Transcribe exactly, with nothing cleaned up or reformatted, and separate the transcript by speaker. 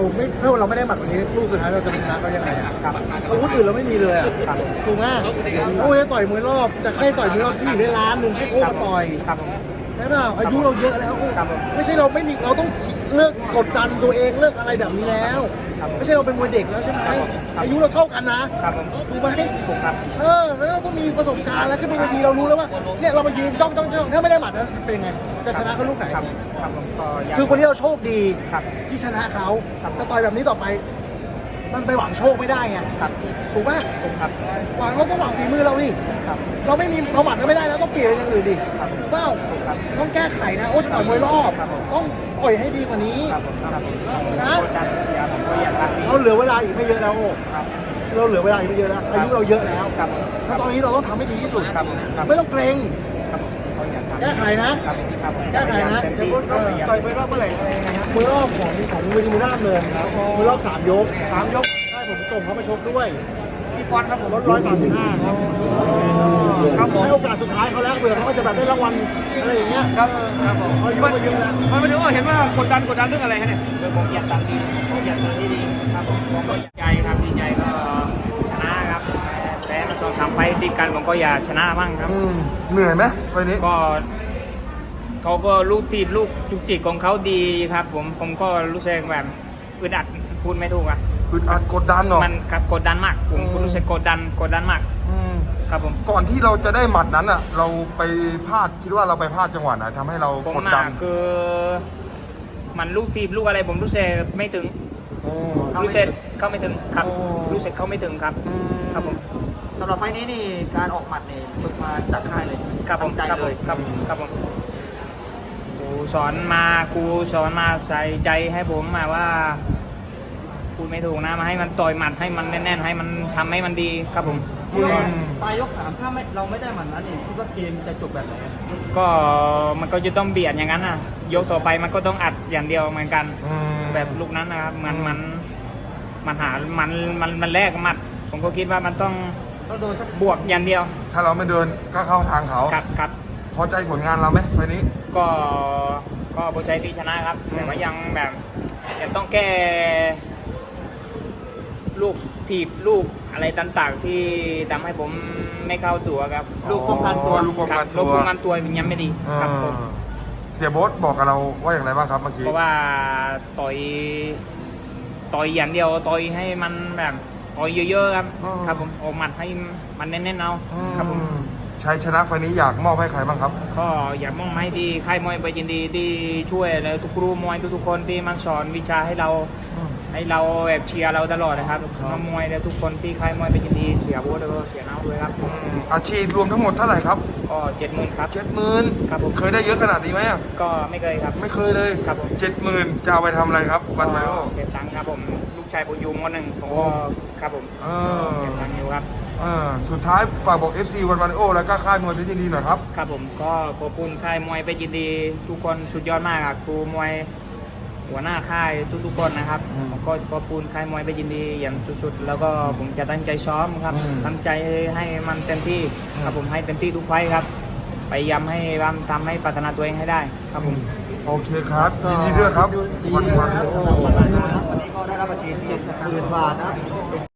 Speaker 1: ไม่ถ้าเราไม่ได้หมัดวันนี้ลูกสุดท้ายเราจะชนะเขายังไงอะอาวุธอื่นเราไม่มีเลยอะถูกไหมโอ้ยต่อยมวยรอบจะให้ต่อยมวยรอบที่อยู่ได้ล้านหนึ่งให้โอ้มาต่อยใช่เปล่าอายุเราเยอะแล้วไม่ใช่เราไม่มีเราต้องเลิกกดดันตัวเองเลิกอะไรแบบนี้แล้วไม่ใช่เราเป็นมวยเด็กแล้วใช่ไหมอายุเราเท่ากันนะถูกไหมเออแล้วเราต้องมีประสบการณ์แล้วขึ้นบนเวทีเรารู้แล้วว่าเนี่ยเรามายืนจ้องจ้องจ้องถ้าไม่ได้หมัดนั้นเป็นไงจะชนะเขาลูกไหนคือคนที่เราโชคดีที่ชนะเขาแต่ต่อยแบบนี้ต่อไปมันไปหวังโชคไม่ได้ไงถูกไหมหวังเราต้องหวังฝีมือเราดิเราไม่มีเราหวังก็ไม่ได้แล้วต้องเปลี่ยนอย่างอื่นดิถูกเปล่าต้องแก้ไขนะโอ้จะต่อยมวยรอบต้องปล่อยให้ดีกว่านี้นะเราเหลือเวลาอีกไม่เยอะแล้วโอ้เราเหลือเวลาอีกไม่เยอะแล้วอายุเราเยอะแล้วแล้วตอนนี้เราต้องทำให้ดีที่สุดไม่ต้องเกรงแก้ไขนะแก้ไขนะต่อยมวยรอบเมื่อไหร่อะไรยังไงครับมวยรอบของของเวทีมวยรอบเลยมวยรอบสามยกสามยกใช่ผมส่งเขาไปชกด้วยพี่ปอนครับผมลดร้อยสามสิบห้าครับครับผมให้โอกาสสุดท้ายเขาแล้วเผื่อเขาจะแบบได้รางวัลอะไรอย่างเงี้ยครับครับผมเขาเยอะมาเยอะแล้วมันไม่ถึงว่าเห็นว่ากดดันกดดันเรื่องอะไรฮะเนี่ยเรื่องผมอยากตัดดีผมอยากตัดที่ดีครับผมผมก็ใจครับดีใจก็ชนะครับแต่มาสองสามไฟติดกันผมก็อยากชนะบ้างครับ
Speaker 2: เหนื่อยไหมไฟนี้
Speaker 1: ก็เขาก็ลูกทีลูกจุกจิกของเขาดีครับผมผมก็รู้สึกแบบอึดอัดพูดไม่ถูกอ่ะ
Speaker 2: อึดอัดกดดันเหรอ
Speaker 1: มันครับกดดันมากผมรู้สึกกดดันกดดันมากครับผม
Speaker 2: ก่อนที่เราจะได้หมัดนั้นอ่ะเราไปพลาดคิดว่าเราไปพลาดจังหวะไหนทำให้เรากดดัน
Speaker 1: คือมันลูกทีลูกอะไรผมรู้สึกไม่ถึงรู้สึกเข้าไม่ถึงครับรู้สึกเข้าไม่ถึงครับครับผม
Speaker 3: สำหรับไฟนี้นี่การออกหมัดนี่ฝึกมาจากค่ายเลย
Speaker 1: ครับผม
Speaker 3: ใจเลย
Speaker 1: ครับครับผมครูสอนมาครูสอนมาใส่ใจให้ผมมาว่าพูดไม่ถูกนะมาให้มันต่อยหมัดให้มันแน่นๆให้มันทำให้มันดีครับผม
Speaker 3: ปลายยกสามถ้าไม่เราไม่ได้หมัดนั้นนี่คิดว่าเกมจะจบแบบไหน
Speaker 1: ก็มันก็จะต้องเบียดอย่างนั้นนะยกต่อไปมันก็ต้องอัดอย่างเดียวเหมือนกันแบบลูกนั้นนะครับมันมันมันหามันมันมันแลกหมัดผมก็คิดว่ามันต้อง
Speaker 3: ต้องโดนสัก
Speaker 1: บวกอย่างเดียว
Speaker 2: ถ้าเราไม่เดินก็เข้าทางเขา
Speaker 1: ครับครับ
Speaker 2: พอใจผลงานเราไหมไฟนี้
Speaker 1: ก็ก็พอใจที่ชนะครับแต่ว่ายังแบบยังต้องแก้ลูกถีบลูกอะไรต่างๆที่ทำให้ผมไม่เข้าตัวครับ
Speaker 3: ลูกป้องกันตัว
Speaker 2: ลูกป้องกันตัว
Speaker 1: ลูกป้องกันตัวยังไม่ดีครับผม
Speaker 2: เสียโบ๊ทบอกกับเราว่าอย่างไรบ้างครับเมื่อกี้
Speaker 1: เพราะว่าต่อยต่อยอย่างเดียวต่อยให้มันแบบต่อยเยอะๆครับครับผมออกหมัดให้มันแน่นๆเอาครับผม
Speaker 2: ชัยชนะไฟนี้อยากมอบให้ใครบ้างครับ
Speaker 1: ก็อยากมอบให้ที่ค่ายมวยไปยินดีที่ช่วยแล้วทุกครูมวยทุกๆคนที่มันสอนวิชาให้เราให้เราแบบเชียร์เราตลอดนะครับน้องมวยและทุกคนที่ค่ายมวยไปยินดีเสียโบ๊ทแล้วก็เสียน้าด้วยครับ
Speaker 2: อาชีพรวมทั้งหมดเท่าไหร่ครับ
Speaker 1: ก็เจ็ดหมื่นครับ
Speaker 2: เจ็ดหมื่น
Speaker 1: ครับผม
Speaker 2: เคยได้เยอะขนาดนี้ไหม
Speaker 1: ก็ไม่เคยครับ
Speaker 2: ไม่เคยเลย
Speaker 1: ครับผม
Speaker 2: เจ็ดหมื่นจะเอาไปทำอะไรครับวันมาโอ
Speaker 1: เก็บตังค์ครับผมลูกชายปุญยุงคนหนึ่งผมก็ครับผมเก็บตังค์อยู่ครับ
Speaker 2: สุดท้ายฝากบอก เอฟ ซี วันมาริโอแล้วก็ค่ายมวยเพชรยินดีหน่อยครับ
Speaker 1: ครับผมก็ขอบคุณค่ายมวยเพชรยินดีทุกคนสุดยอดมากครับครูมวยหัวหน้าค่ายทุกๆคนนะครับผมก็ขอบคุณค่ายมวยเพชรยินดีอย่างสุดๆแล้วก็ผมจะตั้งใจซ้อมครับตั้งใจให้มันเต็มที่ครับผมให้เต็มที่ทุกไฟครับพยายามให้ทำให้พัฒนาตัวเองให้ได้ครับผม
Speaker 2: โอเคครับยินดีด้วยครับวันมาริโอ
Speaker 3: วันนี้ก็ได้รับอาชีพเจ็ดหมื่นบาทนะ